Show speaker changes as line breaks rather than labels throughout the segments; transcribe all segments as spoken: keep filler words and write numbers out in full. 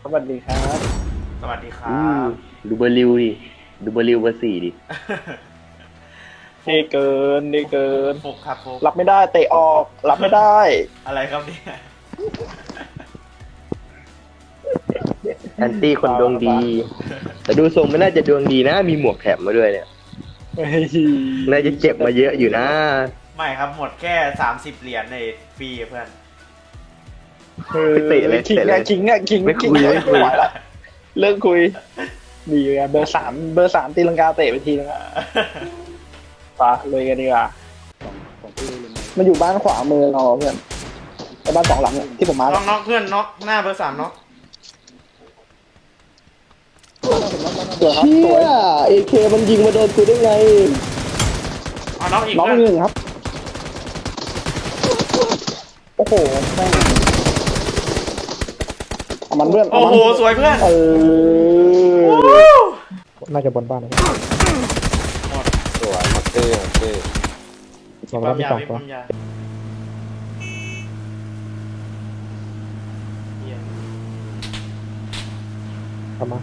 สวัสดีครับ
สวัสดีครั
อืม
บ
ดูเบอร์ริวดิดูเบอร์ริวเบอร์สี่ดิ
นี่เกินนี่เกิน
ฟุกครับฟุก
รับไม่ได้เตะออก รับไม่ได้
อะไรครับเนี่ย
แอนตี้คนดวงดี แต่ดูทรงไม่น่าจะดวงดีนะ มีหมวกแถมมาด้วยเนี่ย
เฮ้ย
น่าจะเจ็บมาเยอะอยู่นะ
ไม่ครับหมดแค่สามสิบเหรียญในฟรีเพื่อน
เออ
เตะเลย
คิง
เตะเล
อะ
ย
คิงอะคิง
ไม่คุย
คิง
ไม่คุย
ไหวละเลิกคุยดีไงเบอร์สามเบอร์สามตีลังกาเตะไปทีนึงอะไปเลยกันดีกว่ามันอยู่บ้านขวามือเราเพื่อนไอ้บ้านสองหลังเนี่ยที่ผมมา
น็อกน็อกเพื่อนน็อกหน้าเบอร์สามน็อก
สวยครับ
เชี่
สวย
ยเอเคมันยิงมาโดนกูได้ไง
เอาน็อกอีก
น้อง
เพื่อน
หนึ่งครับ โอ้โหแม่งเอามันเพื่อนเอา
โอ้
มัน
โหสวยเพื่อน
เออ
วู้
น่าจะบนบ้านนะ
สวยมักเตอร์มักเตอร์
บอก
ค
แล้ว
วาม
มี
ยา
ส
ว
อง
มี
ตัว
ความยาวเหี้ย
กลับมา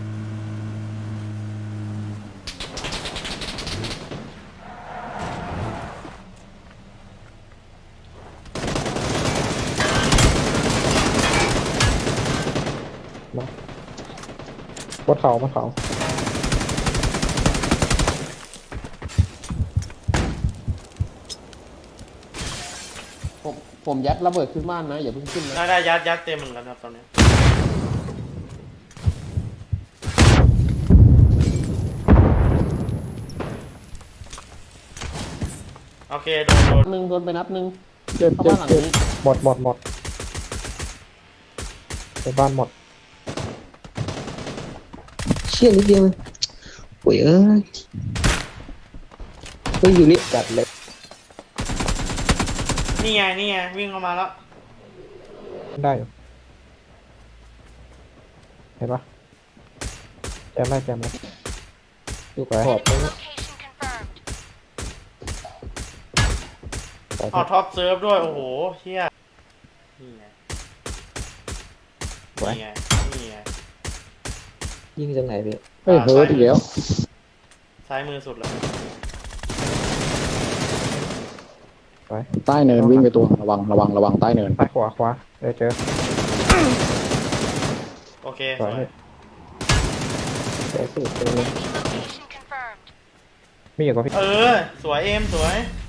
บนเขาบนเขา
ผมผมยัดระเบิดขึ้นบ้านนะอย่าเพิ่งขึ้นนะ
ได้ได้ยัดยัดเต็มเหมือนกันครับตอนนี้ โอเคโดนโดน
หนึ่งโดนไปนัดหนึ่ง
เจ็บ
เข้า
เจ็บ
บ้านหลัง
เจ็บ
นี้
หมดหมดหมดในบ้านหมด
เชี่ยนิดเดียวโอ้ยเอ้ยเฮ้ยอยู่นี่จัดเลย
นี่ไงนี่ไงวิ่งเข้ามาแล้ว
ได้อยู่เห็นปะแจมได้แจมได้อยู่ขอบ
เอาท็อปเซิร์ฟด้วยโอ้โหเชี่ยนี่ไงนี่ไงนี่ไง
ยิงจากไหนพี่
เฮ้ยเฮ้ยทีเดียว
ซ้ายมือสุดเลย
ใต้เนินวิ่งไปตัวระวังระวังระวังใต้เนิน
ซ้ายขวาขวาเดี๋ยวเจอ
โอเค
ส
ส
ว
วย ย
เจอสุดเจอเลยมีอยู่กับพี่
เออ สวยเอ็มสวย